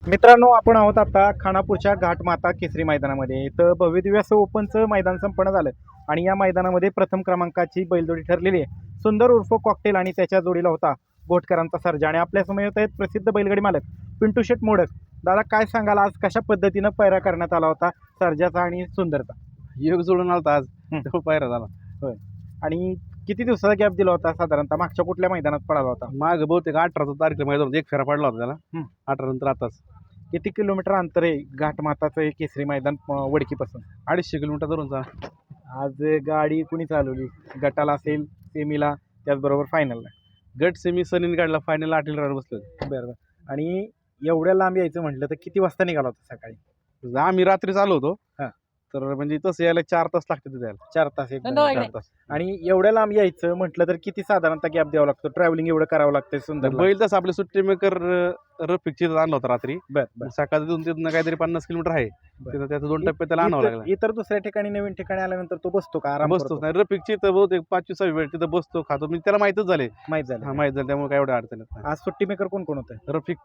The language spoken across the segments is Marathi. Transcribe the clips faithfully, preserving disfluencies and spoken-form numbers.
मित्रांनो, आपण आहोत आता खानापूरच्या घाटमाता केसरी मैदानामध्ये. इथं भव्यदिव्य असं ओपनचं मैदान संपन्न झालं आणि या मैदानामध्ये प्रथम क्रमांकाची बैलजोडी ठरलेली आहे. सुंदर उर्फ कॉकटेल आणि त्याच्या जोडीला होता गोटकरांचा सर्जा. आणि आपल्यासमोर येत आहेत प्रसिद्ध बैलगाडी मालक पिंटू शेट मोडक. दादा, काय सांगाल, आज कशा पद्धतीनं पैरा करण्यात आला होता सर्जाचा आणि सुंदरचा? योग जोडून आला आज तो पायरा झाला. होय. आणि किती दिवसाचा गॅप दिला होता साधारणतः? मागच्या कुठल्या मैदानात पडाला होता? माग बहुतेक अठरा तारखेला मैदान एक फेरा पडला होता त्याला. हं. अठरा नंतर आताच किती किलोमीटर अंतर आहे घाटमाताचं हे केसरी मैदान अं, वडकीपासून? अडीचशे किलोमीटर धरूनचा. आज गाडी कुणी चालवली? गटाला असेल, सेमीला, त्याचबरोबर फायनलला? गट सेमी सनीन काढला, फायनल आठील राहणार बसले. बरं बरं. आणि एवढ्या लांब यायचं म्हटलं तर किती वाजता निघाला होता सकाळी? आम्ही रात्री चालू होतो. हा. तर म्हणजे तसं यायला चार तास लागते तिथे यायला. चार तास एक चार तास. आणि एवढ्या लांब यायचं म्हटलं तर किती साधारणतः गॅप द्यावा लागतो? ट्रॅव्हलिंग एवढं करावं लागतं सुंदर? बैल तसं आपले सुट्टी मेकर रफिकची आणला होता रात्री. बरं बरं. सकाळी तिथून तिथनं काहीतरी पन्नास किलोमीटर आहे. बरं. तिथं त्याचं दोन टप्पे त्याला आणावं इतर- लागला. इतर दुसऱ्या ठिकाणी नवीन ठिकाणी आल्यानंतर तो बसतो का? आराम बसतोच बसतो? नाही. रफिकची तर बहुतेक पाचवी सहावी वेळ तिथं बसतो, खातो. म्हणजे त्याला माहितच झाले. माहित हा, झालं. माहित झालं, त्यामुळे काय एवढं अडचण येत आज सुट्टी मेकर कोण कोण होतं? नाही. रफिक,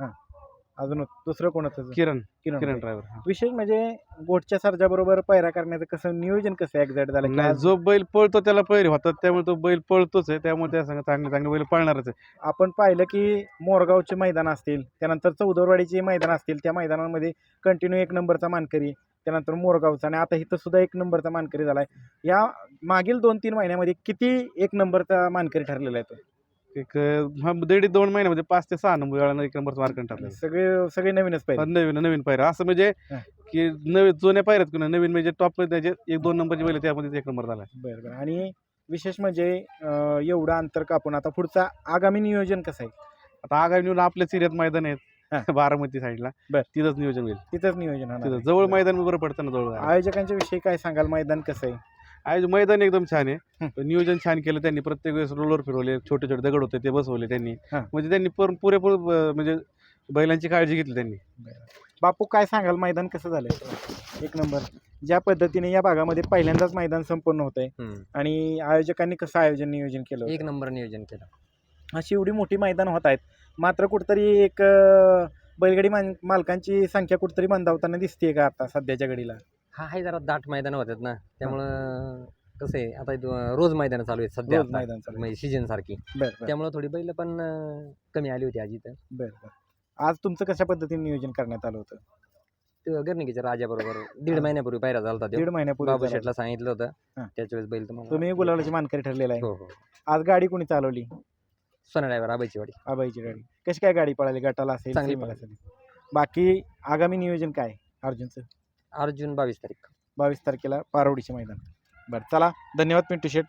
अजून दुसरं कोण होतं? किरण किरण किरण होते. ड्रायव्हर. विशेष म्हणजे गोटच्या सर्जा बरोबर पैरा करण्याचं कसं नियोजन कसं एक्झॅक्ट झालं की नाही, आज जो बैल पळतो त्याला पैरे होतात, त्यामुळे तो बैल पळतोच आहे. त्यामुळे त्या संग चांगले चांगले बैल पळणारच आहे. आपण पाहिलं की मोरगावचे मैदान असतील, त्यानंतर चौदरवाडीचे मैदान असतील, त्या मैदानामध्ये कंटिन्यू एक नंबरचा मानकरी, त्यानंतर मोरगावचा, आणि आता इथं सुद्धा एक नंबरचा मानकरी झालाय. या मागील दोन तीन महिन्यामध्ये किती एक नंबरचा मानकरी ठरलेला आहे तो? एक हा दीड दोन महिन्यामध्ये पाच ते सहा नंबर वेळा एक नंबरचा मार्कन टाकला. सगळे सगळे नवीनच पाहिजे. नवीन नवीन पायऱ्या असं म्हणजे हा. की नवीन जुन्या पायऱ्यात किंवा नवीन म्हणजे टॉप त्याचे एक दोन नंबरचे बैल त्यामध्ये एक नंबर झाला. बरं बरं. आणि विशेष म्हणजे अं, एवढं अंतर कापून आता पुढचा आगामी नियोजन कसं आहे? आता आगामी निवडून आपल्या सिरियत मैदान हा. आहेत बारामती साईडला. बर. तिथंच नियोजन होईल. तिथंच नियोजन होणार तिथं आहे. जवळ मैदान बरं पडतं ना, जवळ आयोजकांच्या विषयी काय सांगाल? मैदान कसं आहे? आज मैदान एकदम छान हं. आहे. नियोजन छान केलं त्यांनी. प्रत्येक वेळेस रोलर फिरवले, छोटे छोटे दगड होते ते बसवले त्यांनी. हा. म्हणजे त्यांनी पूर- पुरेपूर अं, म्हणजे बैलांची काळजी घेतली त्यांनी. बापू, काय सांगाल? मैदान कसं झालंय? एक नंबर. ज्या पद्धतीने या भागामध्ये पहिल्यांदाच मैदान संपन्न होत आहे हम्म. आणि आयोजकांनी कसं आयोजन नियोजन केलं एक होतं? नंबर नियोजन केलं. अशी एवढी मोठी मैदान होत आहेत, मात्र कुठतरी एक अं, बैलगाडी मान मालकांची संख्या कुठतरी मंदावताना दिसते का आता सध्याच्या घडीला? हा आहे जरा दाट मैदान होतात ना, त्यामुळं कसं आहे, आता इथं रोज मैदान चालू आहेत सध्या, रोज आता. मैदान चालू आहे. म्हणजे सीजन सारखी, बरं बरं त्यामुळे थोडी बैल पण अं, कमी आली होती आज इथं. बरं बरं. आज तुमचं कशा पद्धतीने नियोजन करण्यात आलं होतं? ते गर्णिकीच्या राजाबरोबर दीड महिन्यापूर्वी पायरा झाला होता. दीड महिन्यापूर्वी बाबू झाला. शेटला सांगितलं होतं, हा. त्याच वेळेस बैल तुम्हाला तुम्ही गुलाबाची मानकरी ठरलेला आहे. हो हो आज गाडी कोणी चालवली? सोना ड्रायव्हर आबाईची वाडी. आबाईची गाडी. कशी काय गाडी पळाली? गटाला असेल, चांगली सीमेला असेल? बाकी आगामी नियोजन काय अर्जुनचं? अर्जुन बावीस तारीख. बावीस तारखेला पारवडीचे मैदान. बरं, चला, धन्यवाद पिंटू शेट.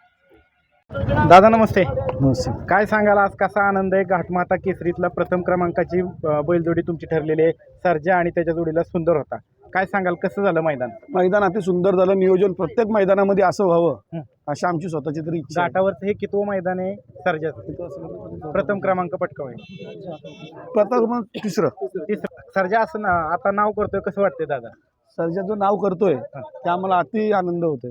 दादा नमस्ते. काय सांगाल, आज कसा आनंद आहे? घाटमाता केसरीतला प्रथम क्रमांकाची अं, बैलजोडी तुमची ठरलेली आहे. सर्जा आणि त्याच्या जोडीला सुंदर होता. काय सांगाल, कसं झालं मैदान? मैदान अति सुंदर झालं. नियोजन प्रत्येक मैदानामध्ये असं हं. व्हावं अशी आमची स्वतःची तरी इच्छा आहे. घाटावरचं हे कितवं मैदान आहे सर्जाचं? प्रथम क्रमांक पटकावय. प्रथम तिसरं तिसरं. सर्जा असं ना आता नाव करतोय, कसं वाटतंय दादा? सर्जाचं नाव करतोय ते आम्हाला अति आनंद होतोय.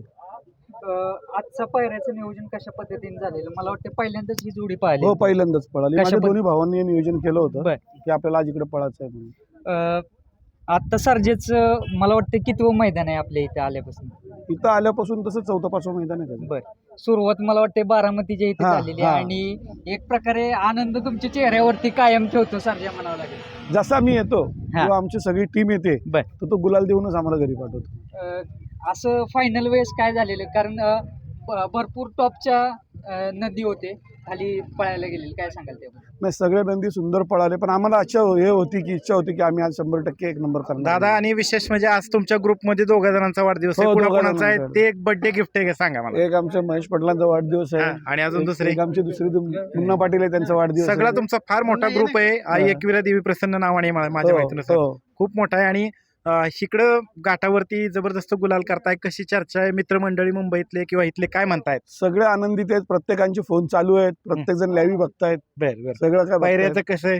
आजचा पायऱ्याचं नियोजन कशा पद्धतीने झालेलं? मला वाटतं पहिल्यांदाच ही जोडी पाहिली. हो, पहिल्यांदाच पळाली. कशा माझ्या पद्ध- दोन्ही भावांनी हे नियोजन केलं होतं बर. की आपल्याला आज इकडे पळायचं आहे म्हणून. आता सर्जेचं मला वाटतं कितवं मैदान आहे आपल्या इथे आल्यापासून? इथं आल्यापासून तसं चौथा पाचवं मैदान आहे त्याचं. बर. सुरुवात मला वाटते बारामतीच्या इथे हा, झालेली हा. आहे आणि एक प्रकारे आनंद तुमच्या चेहऱ्यावरती कायम ठेवतो सर्जा म्हणावं लागेल. जसा मी येतो किंवा आमची सगळी टीम येते बर. तर तो गुलाल देऊनच आम्हाला घरी पाठवतो. अ, असं फायनल वेळेस काय झालेलं? कारण अ, ब- भरपूर टॉपच्या अ, नदी होते खाली पळायला गेलेले, काय सांगाल ते? नाही, सगळे नंदी सुंदर पळाले, पण आम्हाला अच्छा हे होती की इच्छा होती की आम्ही आज शंभर टक्के एक नंबर करणार. दादा, आणि विशेष म्हणजे आज तुमच्या ग्रुपमध्ये दोघा जणांचा वाढदिवस आहे. हो, कुणा दोघा कोणाचा आहे? जणांचा. ते एक बर्थडे गिफ्ट आहे का, सांगा मला. एक आमच्या महेश पटलांचा वाढदिवस आहे. हा, आणि अजून एक- दुसरे? एक आमची दुसरी तुम- मुन्ना पाटील आहे, त्यांचा वाढदिवस सगळा आहे. तुमचा फार मोठा ग्रुप आहे. आई हा. एकविरा देवी प्रसन्न नावाने मा- माझ्या हो, माहितीनुसार हो. खूप मोठा आहे. आणि अं, इकडं घाटावरती जबरदस्त गुलाल करताय. कशी चर्चा आहे मित्रमंडळी मुंबईतले किंवा इथले, काय म्हणतायत? सगळे आनंदित आहेत. प्रत्येकांचे फोन चालू आहेत. प्रत्येक जण लाईव्ह बघतायत. बर बर. सगळं काय पायऱ्याचं बघतायत. कसं आहे?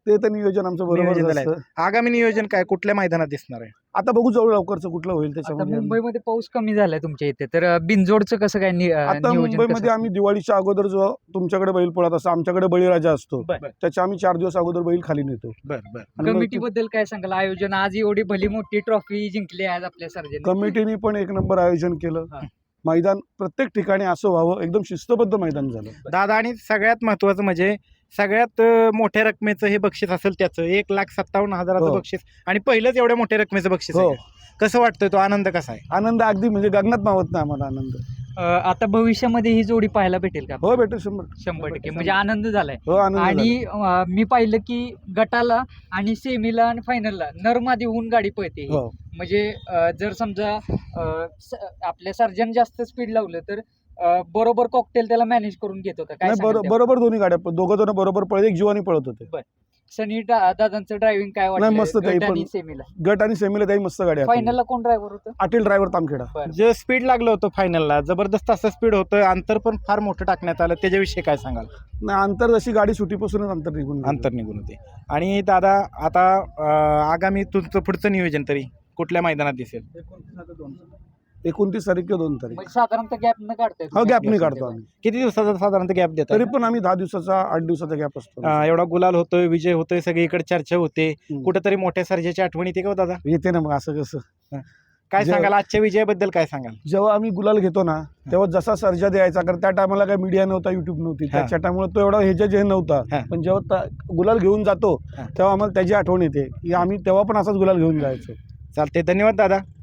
ते तर नियोजन आमचं नियोजन बरोबर झालंय. असतं. आगामी नियोजन काय कुठल्या मैदानात दिसणार आहे? आता बघू जवळ लवकरचं कुठलं होईल आता त्याच्यामध्ये. मुंबईमध्ये पाऊस कमी झालाय तुमच्या इथे, तर अं, बिनजोडचं कसं काय नि- अं, आता नियोजन मुंबईमध्ये कसं आम्ही दिवाळीच्या अगोदर जो तुमच्याकडे बैल पळत असतो, आमच्याकडे बळीराजा असतो, बर बर त्याच्या आम्ही चार दिवस अगोदर बैल खाली नेतो. बर बर आणि मग कमिटी बद्दल काय सांगाल? आयोजन आज एवढी भली मोठी ट्रॉफी जिंकली आज आपल्या सर्जन. कमिटीने पण एक नंबर आयोजन केलं. हा. मैदान प्रत्येक ठिकाणी असं व्हावं, एकदम शिस्तबद्ध मैदान झालं. दादा, आणि सगळ्यात महत्वाचं म्हणजे सगळ्यात अं, मोठ्या रकमेचं हे बक्षीस असेल त्याचं एक लाख सत्तावन्न हजाराचं हो. बक्षीस, आणि पहिलंच एवढ्या मोठ्या रकमेचं बक्षीस आहे हो. का? कसं वाटतंय, तो आनंद कसा आहे? आनंद अगदी म्हणजे गगनात मावत नाही आम्हाला आनंद. अं, आता भविष्यामध्ये ही जोडी पाहायला भेटेल का? हो भेटू शंभर शंभर टक्के म्हणजे आनंद झालाय. हो आनंद आणि अं, मी पाहिलं की गटाला आणि सेमीला आणि फायनलला नरमादी होऊन गाडी पळते ही. झाला. हो म्हणजे अं, जर समजा अं, स- आपल्या सर्जन जास्त स्पीड लावलं तर अं, बरोबर कॉकटेल त्याला मॅनेज करून घेत होता. काय नाही सांगाल बरो- त्याबद्दल? बरोबर दोन्ही गाड्या दोघं जण बरोबर पळत, एक जीवानी पळत होते. सनी दा- दादांचं ड्रायव्हिंग काय नाही, मस्त वाटलं ते गट आणि पण- सेमीला? गट आणि सेमीला त्याही मस्त गाड्या आहेत. फायनलला कोण ड्रायव्हर होतं? अटील ड्रायव्हर तामखेडा. बरं. जे स्पीड लागलं होतं फायनलला, जबरदस्त असं स्पीड होतं, अंतर पण फार मोठं टाकण्यात आलं, त्याच्याविषयी काय सांगाल? नाही अंतर जशी गाडी सुटीपासूनच अंतर निघून गेलं. अंतर निघून होते. आणि दादा, आता अं, आगामी तुमचं पुढचं नियोजन तरी कुठल्या मैदानात दिसेल? एकोणतीस तारीख किंवा दोन तारीख म्हणजे साधारणतः गॅप न काढताय हो तुम्ही? गॅप नाही काढतो आम्ही. किती दिवसाचा साधारणतः गॅप देतात? तरी पण आम्ही दहा दिवसाचा आठ दिवसाचा गॅप असतो. अं, एवढा गुलाल होतोय, विजय होतोय, सगळीकडे चर्चा होते, हम्म. कुठेतरी मोठ्या सर्जाची आठवण येते का हो दादा? येते ना मग असं कसं. काय जे- सांगाल आजच्या विजयाबद्दल, काय सांगाल? जेव्हा आम्ही गुलाल घेतो ना तेव्हा जसा सर्जा द्यायचा, कारण त्या टायमाला काय मीडिया नव्हता, युट्यूब नव्हती, हा. त्याच्या टायमुळे तो एवढा ह्याच्या जे हा. नव्हता. पण जेव्हा ता- गुलाल घेऊन जातो हा. तेव्हा आम्हाला त्याची आठवण येते की आम्ही तेव्हा पण असाच गुलाल घेऊन जायचो. चालते, धन्यवाद दादा.